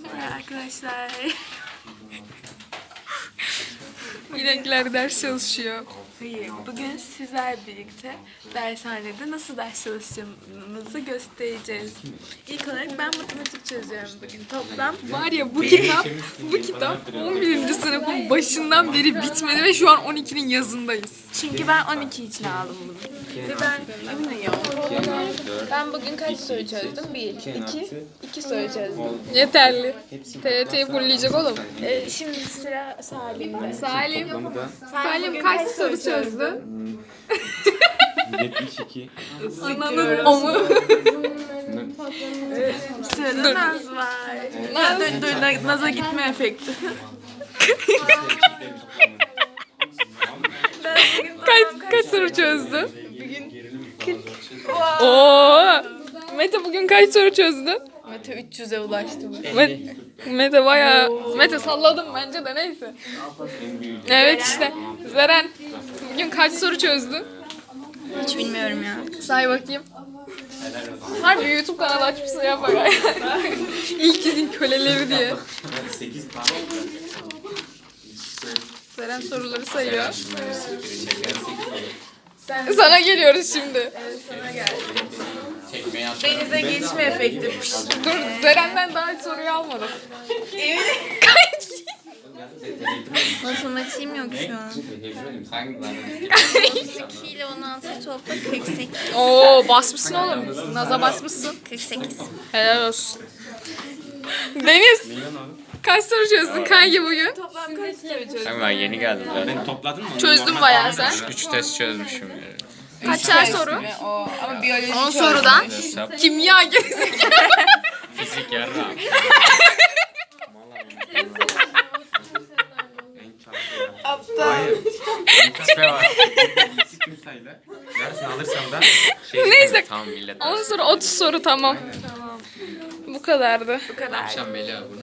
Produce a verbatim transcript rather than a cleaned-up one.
Merhaba arkadaşlar. İnekler ders çalışıyor. Hayır, bugün sizler birlikte dershanede nasıl ders çalışacağımızı göstereceğiz. İlk olarak ben matematik çözüyorum bugün. Toplam Var ya bu kitap, bu kitap on birinci sınıfın başından beri bitmedi ve şu an on ikinin yazındayız. çünkü ben on iki için aldım bunu. Ve ben eminim. Ben bugün kaç soru çözdüm? Bir, iki, iki soru çözdüm. Yeterli. T R T'yi fulleyecek oğlum. Ee, şimdi sıra Salim'de. Salim, Salim Salim kaç soru çözdü? yetmiş iki. Ananın o mu? Sırada Naz var. Naz, dur, dur, Na- Naz'a gitme efekti. Kaç, kaç soru çözdü? Oo. Mete bugün kaç soru çözdü? Mete üç yüze ulaştı mı? Mete, Mete bayağı... Mete salladım bence de neyse. Evet işte. Zeren bugün kaç soru çözdün? Hiç bilmiyorum ya. Say bakayım. Harbi YouTube kanalı açmışsın ya bak. İlk izin köleleri diye. sekiz tane. Zeren soruları sayıyor. Sana geliyoruz şimdi. Denize geçme efekti. Dur Zeren'den daha hiç soruyu almadım. Matematiğim yok şu an. iki ile on altı topla kırk sekiz. Oo basmışsın oğlum. Naza basmışsın. kırk sekiz. Helal olsun. Deniz. Kaç soru çözdün kanki bugün? Toplam kaç soru çözdün? Ben yeni geldim zaten. Ben topladın mı? Çözdüm bayağı sen. üç test çözmüşüm yani. Kaçar soru? Ama biyoloji on sorudan. Hesap, Kimya gerizekalı. fizik, yarra. Hayır. Tipe var. Eksik sayıla. Yarısını alırsam da şey. Neyse. Tamam millet. on soru otuz soru tamam. Bu kadardı. bu kadar. Akşam Melih abi.